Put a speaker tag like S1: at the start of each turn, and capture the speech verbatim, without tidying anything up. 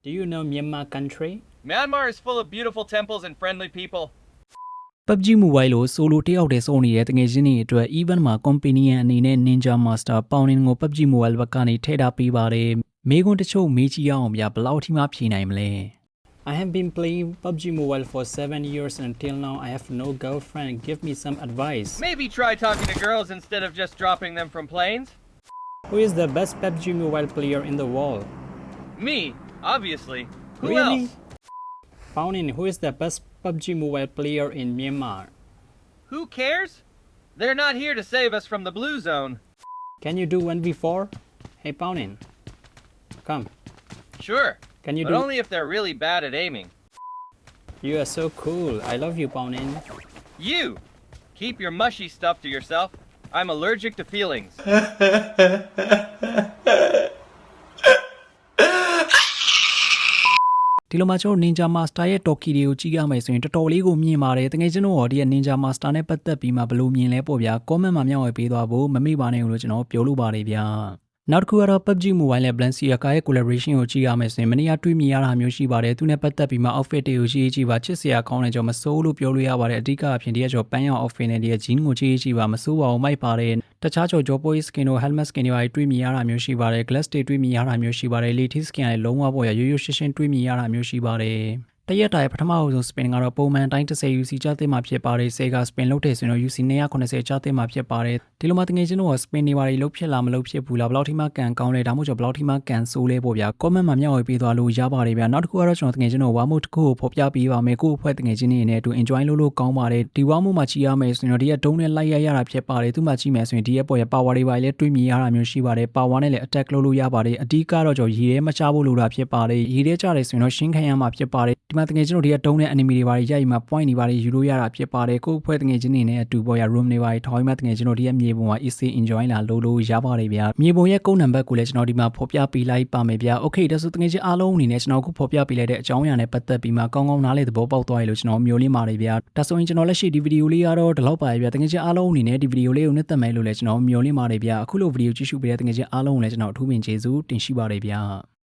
S1: Do you know Myanmar country?
S2: Myanmar is full of beautiful temples and friendly people.
S3: P U B G Mobile ကို solo တယောက်တည်းစုံနေတဲ့တငယ်ချင်းတွေအတွက် event မှာ company အနေနဲ့ Ninja Master ပေါင်နင်းကို P U B G Mobile ဘက်ကနေထည့်ထားပေးပါတယ်။မိကွန်းတချို့မေးကြည့်အောင်ဗျာဘယ်လောက်ထိမှဖြေနိုင်မလဲ
S1: I have been playing P U B G Mobile for seven years and until now I have no girlfriend. Give me some advice.
S2: Maybe try talking to girls instead of just dropping them from planes.
S1: Who is the best P U B G Mobile player in the world?
S2: Me, obviously. Who
S1: Really?
S2: else?
S1: Paunin, who is the best P U B G Mobile player in Myanmar?
S2: Who cares? They're not here to save us from the blue zone.
S1: Can you do one v four? Hey Paunin, come.
S2: Sure,
S1: Can you
S2: but
S1: do?
S2: only if they're really bad at aiming.
S1: You are so cool. I love you, Paunin.
S2: You! Keep your mushy stuff to yourself. I'm allergic to feelings.
S3: ဒီလိုမှကျွန်တော် Ninja Master ရဲ့ Toki တွေကိုကြည့်ရမယ်ဆိုရင်တော်တော်လေးကိုမြင်ပါတယ်တကယ်ကျွန်တော်ဒီ Ninja Master နဲ့ပတ်သက်ပြီးမှဘယ်လိုမြင်လဲပေါ့ဗျာ comment မှာမျှဝေပေးသွားဖို့မမေ့ပါနဲ့လို့ကျွန်တော်ပြောလို့ပါတယ်ဗျာနောက်တစ်ခုကတော့ P U B G Mobile နဲ့ Balenciaga ရဲ့ collaboration ကိုကြည့်ရမယ်ဆိုရင်မနေ့ကတွေ့မြင်ရတာမျိုးရှိပါတယ်သူနဲ့ပတ်သက်ပြီးမှ outfit တွေကိုကြည့်ကြည့်ပါချစ်စရာကောင်းတယ်ကျွန်တော်မစိုးလို့ပြောလို့ရပါတယ်အဓိကအဖြစ်ဒီကကျွန်တော်ပန်းရောင် outfit နဲ့ဒီက jean ကိုကြည့်ကြည့်ပါမစိုးပါဘူးမိုက်ပါတယ်တခြားကျွန်တော် joy skin တို့ helmet skin တွေတွေ့မြင်ရတာမျိုးရှိပါတယ် glass တွေတွေ့မြင်ရတာမျိုးရှိပါတယ် lady skin လည်းလုံးဝပေါ့ရရိုးရိုးရှင်းရှင်းတွေ့မြင်ရတာမျိုးရှိပါတယ်တရက်တိုင်းပထမအဆုံး spin ကတော့ပုံမှန်တိုင်းten U C ကျသင့်မှာဖြစ်ပါတယ် Sega spin လုပ်တယ်ဆိုရင်တော့ U C two seventyကျသင့်မှာဖြစ်ပါတယ်ဒီလိုမှတကယ်ချင်းတော့ spin တွေပါတွေလုပ်ဖြစ်လာမလုပ်ဖြစ်ဘူးလားဘယ်လောက်ထိမှကန်ကောင်းလဲဒါမှမဟုတ်ဘယ်လောက်ထိမှကန်ဆိုးလဲပေါ့ဗျာ comment မှာမျှဝေပေးသွားလို့ရပါတယ်ဗျာနောက်တစ်ခုကတော့ကျွန်တော်တကယ်ချင်းတော့ warm mode တစ်ခုကိုဖော်ပြပေးပါမယ်ကိုယ့်အဖွဲ့တကယ်ချင်းတွေနဲ့အတူ enjoy လုပ်လို့ကောင်းပါတယ်ဒီ warm mode မှာကြည့်ရမယ်ဆိုရင်တော့ဒီကဒုံးနဲ့လိုက်ရရတာဖြစ်ပါတယ်သူ့မှာကြည့်မယ်ဆိုရင်ဒီရဲ့ပေါ်ရ power တွေပါလည်းတွေးမြင်ရတာမျိုးရှိပါတယ် power နဲ့လည်း attack လုပ်လို့ရပါတယ်အဓိကတော့ကျွန်တော်ရေထဲမချဖို့လိုတာဖြစ်ပါတယ်ရေထဲကျတယ်ဆိုရင်တော့ရှင်းခံရမှာဖြစ်ပါတယ်ဒီမှာတကယ်ချင်းတို့ဒီကဒုံးနဲ့ enemy တွေပါရိုက်မှာ point တွေပါယူလို့ရတာဖြစ်ပါတယ်ကိုယ့်အဖွဲ့တကယ်ချင်းတွေနဲ့အတူပေါ်ရ room တွေပါထောင်းမှတကယ်ချင်းတို့ဒီကမြေပုံမှာ easy enjoy လာလုပ်လို့ရပါတယ်ဗျာမြေပုံရဲ့ကုန်းနံပါတ်ကိုလည်းကျွန်တော်ဒီမှာဖော်ပြပေးလိုက်ပါမယ်ဗျာ okay ဒါဆိုတကယ်ချင်းအားလုံးအနေနဲ့ကျွန်တော်အခုဖော်ပြပေးလိုက်တဲ့အကြောင်းအရာနဲ့ပတ်သက်ပြီးမှကောင်းကောင်းနားလည်သဘောပေါက်သွားရလို့ကျွန်တော်မျိုးလင်းပါတယ်ဗျာဒါဆိုရင်ကျွန်တော်လက်ရှိဒီဗီဒီယိုလေးကတော့ဒီလောက်ပါပဲဗျာတကယ်ချင်းအားလုံးအနေနဲ့ဒီဗီဒီယိုလေးကိုနှစ်သက်မယ်လို့လည်းကျွန်တော်မျိုးလင်းပါတယ်ဗျာအခုလိုဗီဒီယိုကြည့်ရှုပေးတဲ့တကယ်ချင်းအားလုံးကိုလည်းကျွန်တော်အထူးပင်ကျေးဇူးတင်ရှိပါတယ်ဗျာ